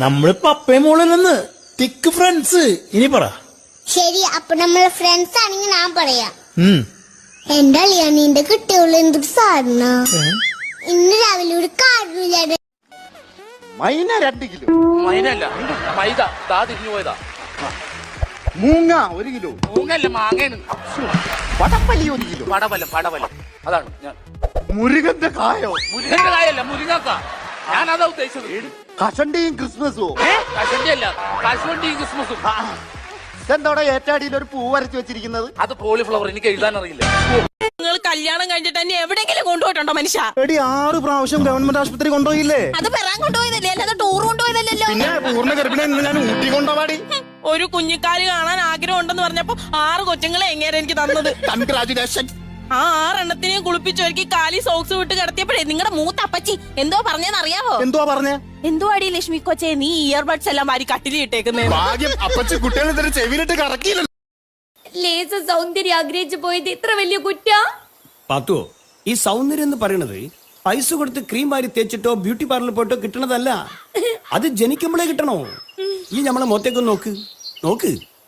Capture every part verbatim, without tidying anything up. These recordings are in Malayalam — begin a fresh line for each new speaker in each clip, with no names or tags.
നമ്മളിപ്പോ അപ്പയും മോളിൽ നിന്ന് തിക്ക് ഫ്രണ്ട്സ്. ഇനി പറ.
ശരി, അപ്പൊ നമ്മളെ ഫ്രണ്ട്സ് ആണെങ്കിൽ ഞാൻ പറയാം.
ഉം
എന്റെ അളിയാ നിന്റെ കുട്ടികൾ എന്തൊരു സാധന. ഇന്ന് രാവിലെ ഒരു കാരണമില്ലാതെ
മൈന രണ്ട് കിലോ.
മൈനല്ല മൈദ ദാ തിരിഞ്ഞു പോയതാ.
മൂങ്ങ ഒരു കിലോ.
മൂങ്ങല്ല മാങ്ങയാണ്.
പടപ്പലി ഒരു കിലോ.
പടവലം പടവലം അതാണ് ഞാൻ.
മുരുകന്റെ കായോ?
മുരുകന്റെ കായല്ല മുരുങ്ങക്ക. ഞാൻ അതാ ഉദ്ദേശിച്ചത്.
കഷണ്ടിയും ക്രിസ്മസും.
കശണ്ടിയല്ല കശുവണ്ടിയും ക്രിസ്മസും.
ഇതെന്തോടെ ഏറ്റാടിയിൽ ഒരു പൂ വരച്ചു വെച്ചിരിക്കുന്നത്?
അത് കോളിഫ്ലവർ. എനിക്ക് എഴുതാൻ അറിയില്ല.
നിങ്ങൾ കല്യാണം കഴിഞ്ഞിട്ട് തന്നെ എവിടെയെങ്കിലും കൊണ്ടുപോയിട്ടുണ്ടോ മനുഷ്യ?
എടി ആറ് പ്രാവശ്യം ഗവൺമെന്റ് ആശുപത്രി കൊണ്ടുപോയില്ലേ?
അത് പെറാൻ കൊണ്ടുപോയതല്ലേ, അല്ലാതെ ടൂർ കൊണ്ടുപോയതല്ലോ.
പിന്നെ പൂർണ്ണ ഗർഭിണി ഞാൻ ഊട്ടി കൊണ്ടുപോവാടി.
ഒരു കുഞ്ഞിക്കാല് കാണാൻ ആഗ്രഹം ഉണ്ടെന്ന് പറഞ്ഞപ്പോ ആറ് കൊച്ചുങ്ങളെ എങ്ങനെ എനിക്ക് തന്നത്.
കൺഗ്രാജുലേഷൻ.
ആ ആറെണ്ണത്തിനെയും കുളിപ്പിച്ചൊരുക്കി കാലി സോക്സ് വിട്ട് കിടത്തിയപ്പോഴേ നിങ്ങളുടെ മൂത്ത അപ്പച്ചി എന്തോ പറഞ്ഞെന്ന് അറിയാവോ?
എന്തുവാ പറഞ്ഞേ?
എന്തോ അടി ലക്ഷ്മി കൊച്ചേ, നീ ഇയർബഡ്സ് എല്ലാം മാറി കട്ടിലി ഇട്ടേക്കുന്നേ.
ഭാഗ്യം അപ്പച്ചി കുട്ടികളെ തന്നെ ചെവിയിലിട്ട് കറക്കിയില്ല.
ലേസ സൗന്ദര്യം ആഗ്രഹിച്ചു പോയത് ഇത്ര വലിയ കുറ്റ?
പാത്തോ, ഈ സൗന്ദര്യം എന്ന് പറയണത് പൈസ കൊടുത്ത് ക്രീം വാരി തേച്ചിട്ടോ ബ്യൂട്ടി പാർലറിൽ പോയിട്ടോ കിട്ടണതല്ല. അത് ജനിക്കുമ്പോഴേ കിട്ടണോ. ഈ നമ്മളെ മുഖത്തേക്കൊന്ന് നോക്ക് നോക്ക്.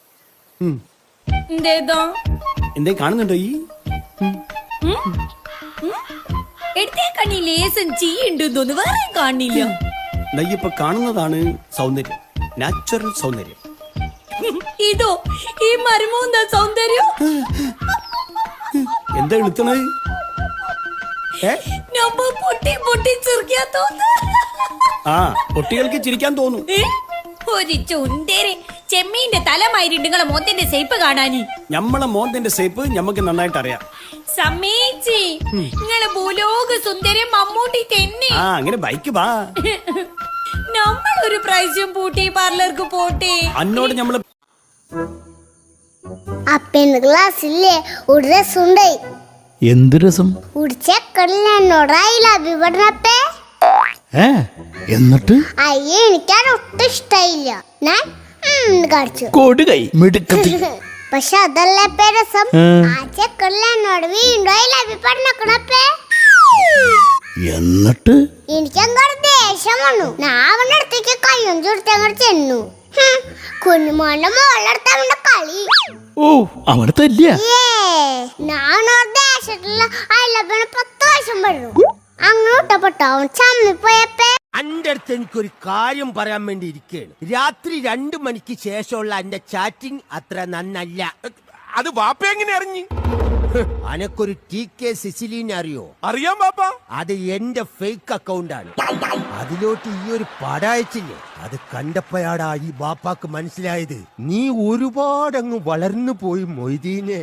എന്തേതോ
എന്തേ കാണുന്നുണ്ടോ? ഈ
എടുത്തേ കണ്ണി ലേസം ചീയുണ്ടെന്ന് വേറെ കാണില്ല.
നെയ്യപ്പ കാണുന്നതാണ് സൗന്ദര്യം, നാച്ചുറൽ സൗന്ദര്യം.
ഇതോ ഈ മരുമോന്താ സൗന്ദര്യം?
എന്താ എളുത്തണത്?
നമ്മ പൊട്ടി പൊട്ടി ചിരിക്കാ തോന്നു.
ആ കുട്ടികൾക്ക് ചിരിക്കാൻ തോന്നും.
ഒരു ചുണ്ടേരെ ചെമ്മീന്റെ തലമായിട്ട് നിങ്ങളെ മോത്തിന്റെ സേപ്പ് കാണാനി.
ഞമ്മളെ മോന്തിന്റെ സേപ്പ് ഞമ്മക്ക് നന്നായിട്ട് അറിയാം.
സമേച്ചി നിങ്ങളെ ഭൂലോക സുന്ദരം മമ്മൂട്ടി തന്നെ.
ആ അങ്ങനെ ബൈക്ക് വാ.
നമ്മൾ ഒരു പ്രാവശ്യം പൂട്ടി പാർലർക്ക് പോട്ടെ.
അന്നോട് ഞമ്മള്
അപ്പന്റെ ക്ലാസ്സില്ലേ ഒരു രസമുണ്ടായി.
എന്ത് രസം?
ഒരു ചെക്കനിൽ എന്നോടായില്ല അഭിപടനപ്പേ.
ഏ എന്നിട്ട്
അയ്യേ എനിക്കത് ഒട്ടും ഇഷ്ടായില്ല. ഞാൻ കാണിച്ചു
കൊടുകൈ മിടുക്കത്തി.
പക്ഷെ അതല്ലപ്പേ രസം. ആ ചെക്കനിൽ എന്നോട് വീണ്ടും അയില്ല അഭിപടനക്കണപ്പേ.
എന്നിട്ട്
എനിക്കങ്ങോട്ട് ദേഷ്യം വന്നു. ഞാൻ അവന്റെ അടുത്തേക്ക് കയ്യും ചുരുത്തി അങ്ങോട്ട് ചെന്നു. കുഞ്ഞുമോന്റെ മോളടുത്ത് അവന്റെ കളി.
ഓ അവനെ തല്ലിയ.
ഞാൻ ദേശത്തുള്ള അയലപ്പന് പത്ത് വയസ്സും പെടും. അങ്ങോട്ടപ്പെട്ടോ അവൻ ചമ്മിപ്പോയപ്പേ.
അന്റെ അടുത്ത് എനിക്കൊരു കാര്യം പറയാൻ വേണ്ടി ഇരിക്കുകയാണ്. രാത്രി രണ്ടു മണിക്ക് ശേഷമുള്ള എന്റെ ചാറ്റിംഗ് അത്ര നന്നല്ല.
അത് വാപ്പ എങ്ങനെ അറിഞ്ഞു?
അനക്കൊരു ടി കെ സിസിലിനെ അറിയോ?
അറിയാം വാപ്പ.
അത് എന്റെ ഫേക്ക് അക്കൗണ്ട് ആണ്. അതിലോട്ട് ഈ ഒരു പടം അയച്ചില്ലേ, അത് കണ്ടപ്പോഴാടാ ഈ ബാപ്പാക്ക് മനസ്സിലായത് നീ ഒരുപാടങ്ങ് വളർന്നു പോയി മൊയ്തീനെ.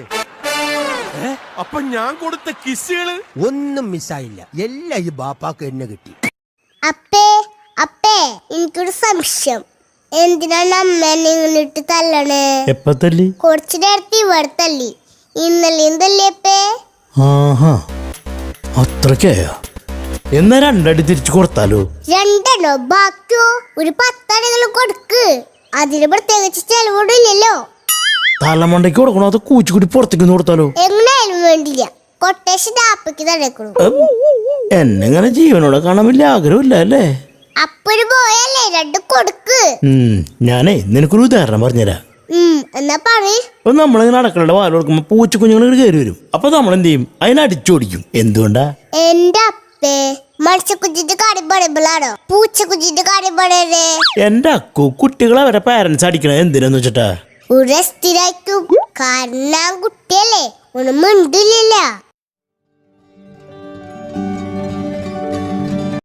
അപ്പൊ ഞാൻ കൊടുത്ത കിസ്സുകള്
ഒന്നും മിസ്സായില്ല. എല്ലാം ഈ ബാപ്പാക്ക് എന്നെ കിട്ടി.
അപ്പേ അപ്പേ എനിക്കൊരു സംശയം. എന്തിനാണ് അമ്മേനെ ഇട്ട് തല്ലണേ?
എപ്പ തല്ലി?
കുറച്ചു നേരത്തെ ഇവിടെ തല്ലി. ഇന്നലെ എന്തല്ലേ?
ആഹാ അത്രക്കായ. എന്നാ രണ്ടടി തിരിച്ചു കൊടുത്താലോ?
രണ്ടെണ്ണോ? ബാക്കിയോ ഒരു പത്തടികൾ കൊടുക്ക്. അതിന് പ്രത്യേകിച്ച് ചെലവിടില്ലല്ലോ.
തലമണ്ടയ്ക്ക് കൊടുക്കണോ അതോ കൂച്ചുകൂടി പുറത്തേക്ക് കൊടുത്താലോ?
എങ്ങനെയായാലും വേണ്ടില്ല. കൊട്ടേഷൻ ആപ്പയ്ക്ക് തടയക്കണു.
എന്നെങ്ങനെ ജീവനോടെ കാണാൻ വലിയ ആഗ്രഹമില്ല അല്ലേ?
അപ്പൊരു പോയല്ലേ രണ്ട് കൊടുക്ക്.
ഞാനേ നിനക്കൊരു ഉദാഹരണം പറഞ്ഞുതരാം.
എന്നാ പറയ്.
അപ്പൊ നമ്മളിങ്ങനെ അടക്കളയുടെ വാല് കൊടുക്കുമ്പോ പൂച്ച കുഞ്ഞുങ്ങൾ കയറി വരും. അപ്പൊ നമ്മൾ എന്ത് ചെയ്യും? അതിനടിച്ചോടിക്കും. എന്തുകൊണ്ടാ?
എന്റെ അപ്പേ മത്സ്യക്കുഞ്ഞിന്റെ കാര്യം പറയുമ്പോഴാണോ പൂച്ചക്കുഞ്ഞിന്റെ കാര്യം പറയണേ?
എന്റെ അക്കു കുട്ടികളെ അവരെ പാരന്റ്സ് അടിക്കണത് എന്തിനാന്ന് വെച്ചിട്ടാ?
ഒരു സ്ഥിരായിരിക്കും. കാരണം കുട്ടിയല്ലേ ഒന്നും മിണ്ടില്ല.